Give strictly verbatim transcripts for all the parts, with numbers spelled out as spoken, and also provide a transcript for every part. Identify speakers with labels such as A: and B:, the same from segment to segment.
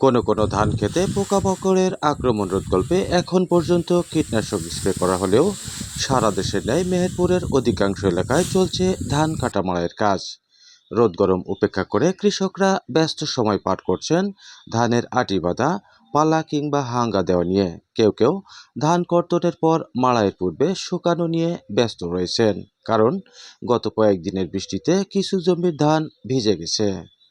A: কোনো কোনো ধান খেতে পোকামাকড়ের আক্রমণ রোধকল্পে এখন পর্যন্ত কীটনাশক স্প্রে করা হলেও সারা দেশের ন্যায় মেহেরপুরের অধিকাংশ এলাকায় চলছে ধান কাটা মাড়াইয়ের কাজ। রোদ গরম উপেক্ষা করে কৃষকরা ব্যস্ত সময় পার করছেন ধানের আটি বাঁধা, পালা কিংবা হাঙ্গা দেওয়া নিয়ে। কেউ কেউ ধান কর্তনের পর মাড়াইয়ের পূর্বে শুকানো নিয়ে ব্যস্ত রয়েছেন, কারণ গত কয়েকদিনের বৃষ্টিতে কিছু জমির ধান ভিজে গেছে।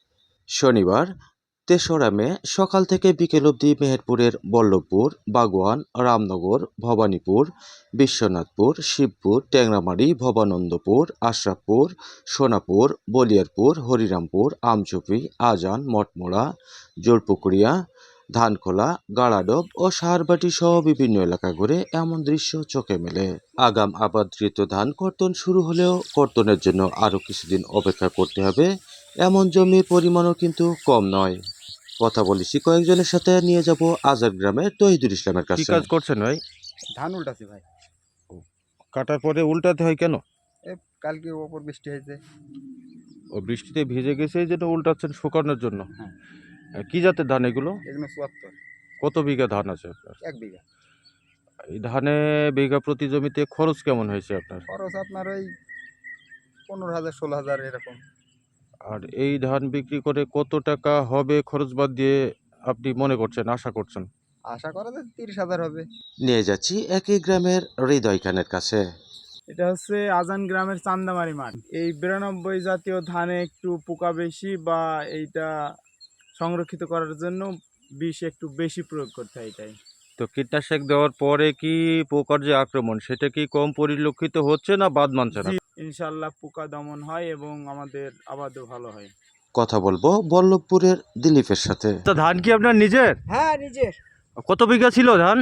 A: শনিবার তেসরা মে সকাল থেকে বিকেল অবধি মেহেরপুরের বল্লভপুর, বাগোয়ান, রামনগর, ভবানীপুর, বিশ্বনাথপুর, শিবপুর, টেংরামারি, ভবানন্দপুর, আশরাফপুর, সোনাপুর, বলিয়ারপুর, হরিরামপুর, আমঝুপি, আজান, মঠমোড়া, জোরপুকুরিয়া, ধানখোলা, গাড়াডোব ও সাহারবাটি সহ বিভিন্ন এলাকা ঘুরে এমন দৃশ্য চোখে মেলে। আগাম আবাদকৃত ধান কর্তন শুরু হলেও কর্তনের জন্য আরও কিছুদিন অপেক্ষা করতে হবে এমন জমির পরিমাণও কিন্তু কম নয়। কথা বলেছি কয়েকজনের সাথে, নিয়ে যাব আজার গ্রামের তহিদুল ইসলামের কাছে।
B: কি কাজ করছেন ভাই?
C: ধান উল্টাছি ভাই।
B: কাটার পরে উল্টাতে হয় কেন?
C: এ কালকে ওপর বৃষ্টি হয়েছে।
B: ও বৃষ্টিতে ভিজে গেছে এই জন্য উল্টাচ্ছেন শুকানোর জন্য।
C: হ্যাঁ।
B: আহ, কি জাতের ধান এগুলো?
C: এগুলো চুয়াত্তর।
B: কত বিঘা ধান আছে আপনার?
C: এক বিঘা।
B: এই ধানে বিঘা প্রতি জমিতে খরচ কেমন হয়েছে আপনার?
C: খরচ আপনার ওই পনেরো হাজার ষোলো হাজার এরকম।
B: আর এই ধান বিক্রি করে কত টাকা হবে খরচ বাদ দিয়ে আপনি মনে করছেন, আশা করছেন?
C: আশা করা যায় তিরিশ হাজার হবে।
A: নিয়ে যাচ্ছি একই গ্রামের হৃদয় খানের কাছে।
D: এটা হচ্ছে আজান গ্রামের চান্দামারি মাঠ। এই বিরানব্বই জাতীয় ধানে একটু পোকা বেশি, বা এইটা সংরক্ষিত করার জন্য বিষ একটু বেশি প্রয়োগ করতে হয় এটাই।
B: তো কীটনাশক দেওয়ার পরে কি পোকার যে আক্রমণ সেটা কি কম পরিলক্ষিত হচ্ছে না বাদ মানছে না?
D: জি, ইনশাল্লাহ পোকা দমন হয় এবং আমাদের আবাদও ভালো হয়।
A: কথা বলবো বল্লভপুরের দিলীপের সাথে।
B: তো ধান কি আপনার নিজের?
E: হ্যাঁ নিজের।
B: কত বিঘা ছিল ধান?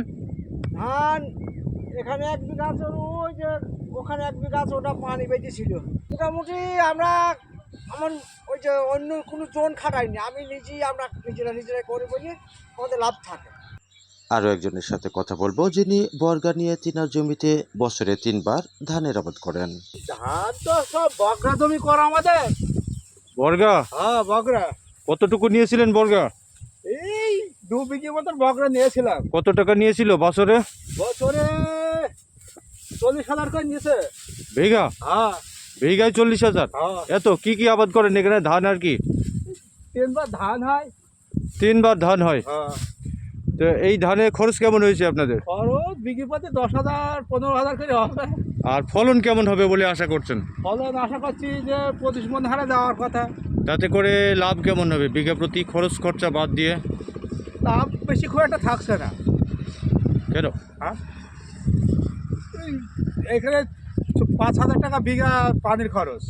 E: ধান এখানে এক বিঘা আছে, ওই যে ওখানে এক বিঘা আছে, ওটা পানি বেঁচে ছিল। মোটামুটি আমরা আমার ওই যে অন্য কোনো জন খাটাইনি, আমি নিজেই আমরা নিজেরা নিজেরাই করে বলি আমাদের লাভ থাকে।
A: আরও একজনের সাথে কথা বলবো, যিনি বর্গা নিয়ে তিনার জমিতে বছরে তিনবার ধানের আবাদ করেন।
E: ধান তো সব বগরা জমি করা আমাদের।
B: বর্গা?
E: হ্যাঁ বগরা।
B: কতটুকু নিয়েছিলেন বর্গা?
E: এই দু বিঘে মতন বগরা নিয়েছিলাম।
B: কত টাকা নিয়েছিল বছরে?
E: বছরে চল্লিশ হাজার করে নিয়েছে।
B: বিঘা?
E: হ্যাঁ।
B: বিঘায় চল্লিশ হাজার?
E: হ্যাঁ।
B: এত কি কি আবাদ করেন এখানে? ধান আর কি?
E: তিনবার ধান হয়।
B: তিনবার ধান হয়?
E: হ্যাঁ।
B: তো এই ধানে খরচ কেমন হয়েছে আপনাদের?
E: খরচ বিঘে প্রতি দশ হাজার পনেরো হাজার করে হবে।
B: আর ফলন কেমন হবে বলে আশা করছেন?
E: ফলন আশা করছি যে পঁচিশ মন হারে যাওয়ার কথা।
B: তাতে করে লাভ কেমন হবে বিঘা প্রতি খরচ খরচা বাদ দিয়ে?
E: লাভ বেশি খুব একটা থাকছে না।
B: কেন?
E: হ্যাঁ, এই- এখানে পাঁচ হাজার টাকা বিঘা পানির খরচ,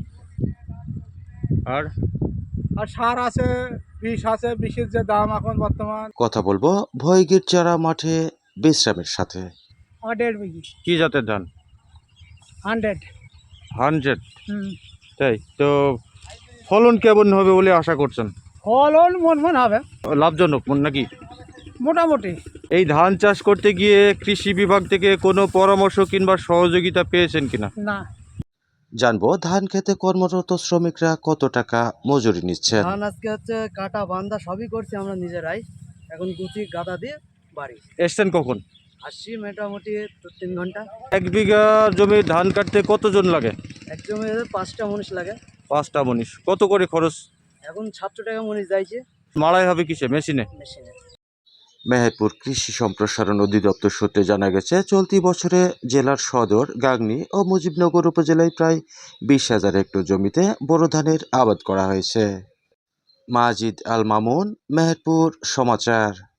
B: আর
E: আর সার আছে, বিষ আছে, বিষের যে দাম এখন বর্তমান।
A: কথা বলবো ভয়গীর চারা মাঠে বিশ্রামের সাথে।
E: আমার দেড় বিঘি।
B: কি জাতের ধান?
E: হান্ড্রেড।
B: হান্ড্রেড?
E: হুম।
B: তাই তো ফলন কেমন হবে বলে আশা করছেন?
E: ফলন মন মন হবে
B: লাভজনক নাকি?
E: মোটামুটি।
B: এই ধান চাষ করতে গিয়ে কৃষি বিভাগ থেকে কোনো পরামর্শ কিংবা সহযোগিতা পেয়েছেন কিনা?
E: না।
A: জানবো ধান খেতে কর্মরত শ্রমিকরা কত টাকা মজুরি নিচ্ছেন।
F: ধান আজকে হচ্ছে কাটা বান্ধা সবই করছি আমরা নিজেরাই। এখন গুছি গাদা দিয়ে বাড়ি
B: এসছেন কখন?
F: আসছি মোটামুটি দু তিন ঘন্টা।
B: এক বিঘা জমি ধান কাটতে কতজন লাগে?
F: এক জমিতে পাঁচটা মনীষ লাগে।
B: পাঁচটা মনীষ। কত করে খরচ?
F: এখন সাতশো টাকা মনীষ যাইছে।
B: মাড়াই হবে কিসে? মেশিনে?
F: মেশিনে।
A: মেহেরপুর কৃষি সম্প্রসারণ অধিদপ্তর সূত্রে জানা গেছে, চলতি বছরে জেলার সদর, গাংনী ও মুজিবনগর উপজেলায় প্রায় বিশ হাজার হেক্টর জমিতে বোরো ধানের আবাদ করা হয়েছে। মাজিদ আল মামুন, মেহেরপুর সমাচার।